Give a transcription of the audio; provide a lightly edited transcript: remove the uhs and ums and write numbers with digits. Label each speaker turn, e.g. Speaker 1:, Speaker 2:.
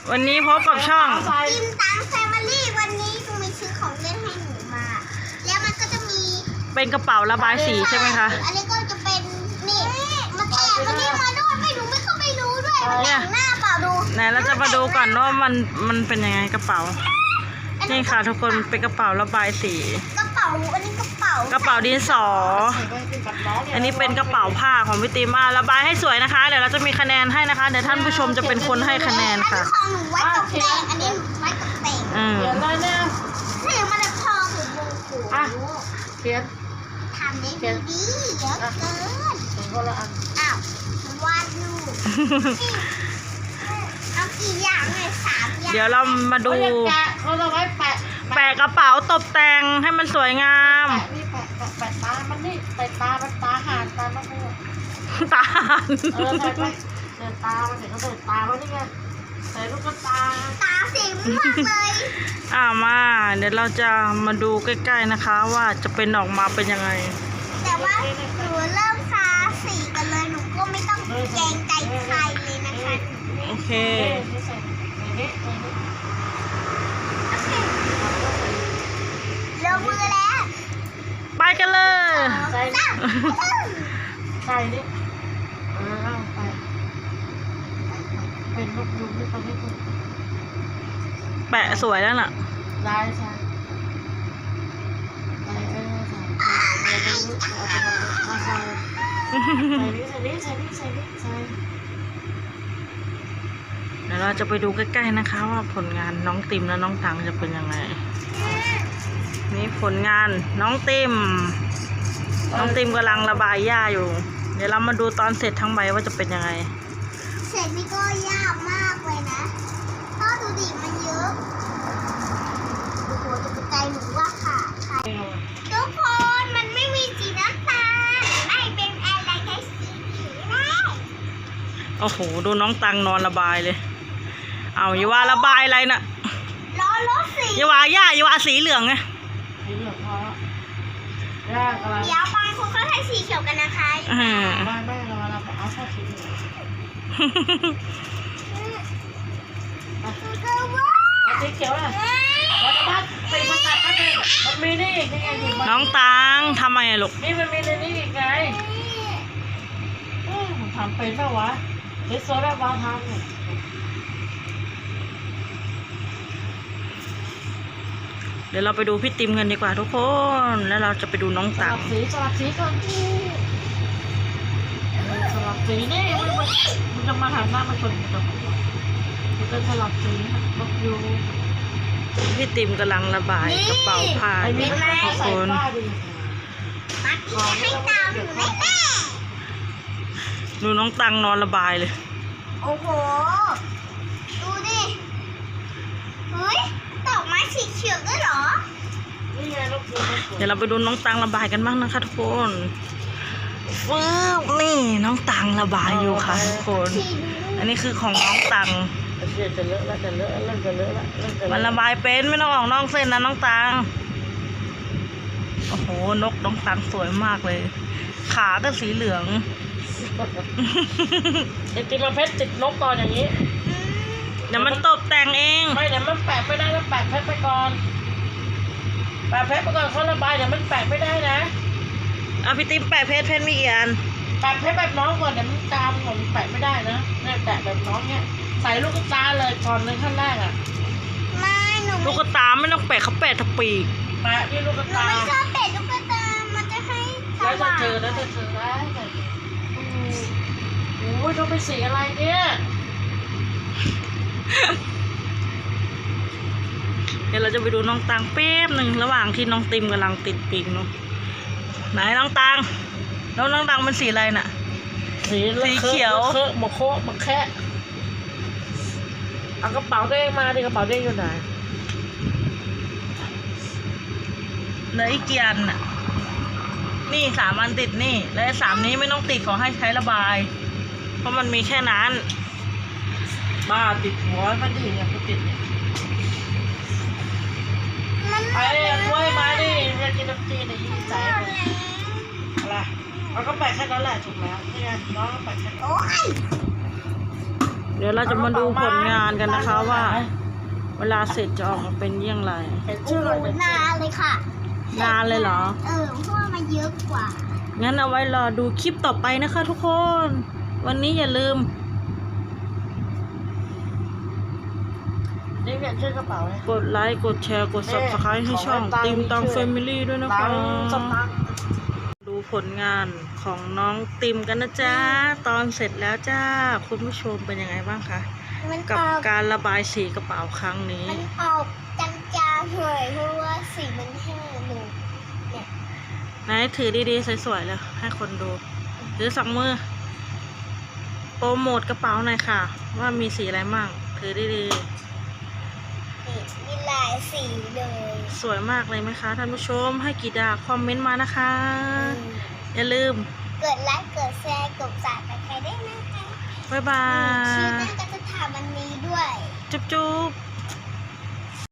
Speaker 1: วันนี้พบกับช่อง
Speaker 2: ติมตังแฟมิลี่วันนี้หนูมีซื้อของเล่นให้หนูมา แล้วมันก็จะมี
Speaker 1: เป็นกระเป๋าระบายสีใช่ไหมคะ
Speaker 2: อันนี้ก็จะเป็นนี่มันแอบมันนี่มาด้วยไม่รู้ไม่เข้าไปรู้ด้วยมันแต่งหน้าเปล่าดู
Speaker 1: ไหนเราจะมาดูก่อนว่ามันเป็นยังไงกระเป๋านี่ค่ะทุกคนเป็นกระเป๋าระบายสี
Speaker 2: กระเป๋าอันนี้กระเป๋า
Speaker 1: ดินสออันนี้เป็นกระเป๋าผ้าของพี่ติมระบายให้สวยนะคะเดี๋ยวเราจะมีคะแนนให้นะคะเดี๋ยวท่านผู้ชมจะเป็นคนให้คะแนนค่ะ
Speaker 2: ของหนูไว้ตกแต่งอันนี้ไว้ตกแต่ง
Speaker 3: เขียนเลยเนี่ย
Speaker 2: ถือมาแต่พอถือวงกลม
Speaker 3: เขียน
Speaker 2: ทำได้ดีเยอะเกิน
Speaker 3: คนละอัน
Speaker 2: อ้าววาดรูปเอากี่อย่างเลย3 อย่าง
Speaker 1: เดี๋ยวเรามาดู
Speaker 3: เขาจะไว้แปะ
Speaker 1: กระเป๋าตกแต่งให้มันสวยงาม
Speaker 3: นี่แปะตามันนี่ใส่ตามันตาห่านตามันไม่
Speaker 1: ตา
Speaker 3: ใส่ไปใส่ตามันเห็นเขาใส่ตามันนี่ไงใส่ลูกตา
Speaker 2: สีม่วงเลย
Speaker 1: มาเดี๋ยวเราจะมาดูใกล้ๆนะคะว่าจะเป็นออกมาเป็นยังไง
Speaker 2: แต่ว่าหนูเริ่มทาสีกันเลยหนูก็ไม่ต้องเกรงใจใครเลยนะคะ
Speaker 1: โอเค
Speaker 2: เริ่มมือแล้ว
Speaker 1: ไปกันเลย
Speaker 3: ใส่ดิไปเป็นลูกยุงที่เขาไม่ถูก
Speaker 1: แปะสวยแล้วน่ะ
Speaker 3: ได้ใช่ใส่ไปเลยใส่
Speaker 1: เดี๋ยวเราจะไปดูใกล้ๆนะคะว่าผลงานน้องติมและน้องตังจะเป็นยังไงนี่ผลงานน้องติมกำลังระบายหญ้าอยู่เดี๋ยวเรามาดูตอนเสร็จทั้งใบว่าจะเป็นยังไง
Speaker 2: เสร็จนี่ก็ยากมากเลยนะเพราะดูดิมันเยอะโอ้โหจะกระจายหนูว่าค่ะทุกคนมันไม่มีสีน้ำตาลไม่เป็นอะไรแค่สีแรก
Speaker 1: โอ้โหดูน้องตังนอนระบายเลยเอาอย่าว่าระบายอะไรน่ะ
Speaker 2: ล้อสี
Speaker 1: อย่าว่าหญ้าอย่าว่าสีเหลืองไง
Speaker 3: สีเหลืองพอแล้วยากอะไร
Speaker 2: เดี๋ยวบางคนเขาใช้สีเขียวกันนะคะ
Speaker 3: ไม่เราเอาแค่สีเหลืองเอาสีเขียวเลยเราจะพัดตีมันตัดพัดเลยมันมีนี่อีกไง
Speaker 1: น้องตังทำไมอะลูก
Speaker 3: นี่มันมีในนี้อีกไงมันทำเป็นป่ะวะเดี๋ยวโซดาบาทำเนี่ย
Speaker 1: เดี๋ยวเราไปดูพี่ติมกันดีกว่าทุกคนแล้วเราจะไปดูน้องตัง
Speaker 3: สลับสีก่อนสลับสีนี่มันจะมาหันหน้ามาชนกันมันจะสลับสีลบยู
Speaker 1: พี่ติมกำลังระบายกระเป๋าผ้าทุกคนดูน้องตังนอนระบายเลย
Speaker 2: โอ้โหดูดิเฮ้ยดอกไม้สีเขียวด้วยเหรอ
Speaker 1: เดี๋ยวเราไปดูน้องตังระบายกันบ้างนะคะทุกคนนี่น้องตังระบายอยู่ค่ะทุกคนอันนี้คือของน้องตัง
Speaker 3: จะเลอะแล้ว
Speaker 1: มันระบายเป็นไม่ต้องออกนอกเส้นนะน้องตังโอ้โหนกน้องตังสวยมากเลยขาก็สีเหลือง
Speaker 3: ติดมาเพชรติดนกก่อนอย่างนี้
Speaker 1: เดี๋ยวมันตกแต่งเอง
Speaker 3: ไม่เดี๋ยวมันแปะไม่ได้แล้วแปะเพชรไปก่อนแปะเพชรไปก่อนเขาระบายเดี๋ยวมันแปะไม่ได้นะ
Speaker 1: พี่ติ๊มแปะเพชรมีกี่อัน
Speaker 3: แปะเพชรแบบน้องก่อนเดี๋ยวมันตามก่อนแปะไม่ได้นะเนี่ยแปะแบบน้องเนี่ยใส่ลูกตาเลยก่อนเลยขั้นแรก
Speaker 2: ไม่หนู
Speaker 1: ลูกตาไม่ต้องแปะเขาแปะทปีก
Speaker 3: แปะที่ลูกตา
Speaker 2: ไม่ชอบแปะลูกตามันจะให้
Speaker 3: แล้วจะเจอได้โอ้ยต้องเป็นสีอะไรเนี่ย
Speaker 1: เดี๋ยวเราจะไปดูน้องตังแป๊บหนึ่งระหว่างที่น้องติมกำลังติดปีกเนาะไหนน้องตังแล้วน้องตังเป็นสีอะไรน่ะ
Speaker 3: สี
Speaker 1: เขียว
Speaker 3: หมกโค้หมกแค่เอากระเป๋าตัวเองมาดิกระเป๋าตัวเองอยู่ไหน
Speaker 1: เหลืออีกกี่อันน่ะนี่3 อันติดนี่และ3นี้ไม่ต้องติดขอให้ใช้ระบายเพราะมันมีแค่นั้น
Speaker 3: บ้าติดหัวมันดิเนี่ยติดเนี่ยไปด้วยมาดิอยากกินน้ำจีนเนี่ยยิ่งใจอะไรเอาก็แปะแค่นั้นแหละถูกแล้วนี่ไงน้องแปะแค่นั้น
Speaker 1: เดี๋ยวเราจะมาดูผลงานกันนะคะว่า เวลาเสร็จจะออกมาเป็นอย่างไร
Speaker 3: เห็น
Speaker 2: โอ้
Speaker 3: ชื่อ
Speaker 2: โห
Speaker 3: เลย
Speaker 2: นานเลยค่ะ
Speaker 1: นานเลยเหรอ
Speaker 2: เพราะว่ามันเยอะกว่า
Speaker 1: งั้นเอาไว้รอดูคลิปต่อไปนะคะทุกคน วันนี้อย่าลืม
Speaker 3: นี่เนี่ยชื่อกระเป๋าเลย
Speaker 1: กดไลค์ กดแชร์ กด subscribe ให้ช่องติมตัง Family ด้วยนะ
Speaker 3: ตั
Speaker 1: คะ
Speaker 3: งสตังค์
Speaker 1: ดูผลงานของน้องติมกันนะจ๊ะ ตอนเสร็จแล้วจ้า คุณผู้ชมเป็นยังไงบ้างคะ
Speaker 2: มัน
Speaker 1: กับ
Speaker 2: ออก
Speaker 1: การระบายสีกระเป๋าครั้งนี้
Speaker 2: มันออกจางๆหน่อยเพราะว่าสีมันแห้งหนูเนี่ย
Speaker 1: ไหนถือดีๆ สวยๆเลยให้คนดูถือสองมือ โปรโมทกระเป๋าหน่อยค่ะ ว่ามีสีอะไรมั่ง ถือดี
Speaker 2: นี่มีหลายสีเลย
Speaker 1: ๆ สวยมากเลยไหมคะ ท่านผู้ชมให้กี่ดาวคอมเมนต์มานะคะ
Speaker 2: อืม
Speaker 1: อย่าลืม
Speaker 2: เกิดไลค์เกิดแชร์กดสั่นไปได้นะคะ
Speaker 1: บ๊ายบา
Speaker 2: ชื่อห
Speaker 1: ย
Speaker 2: น้าก็จะถามวันนี้ด้วย
Speaker 1: จุ๊บๆ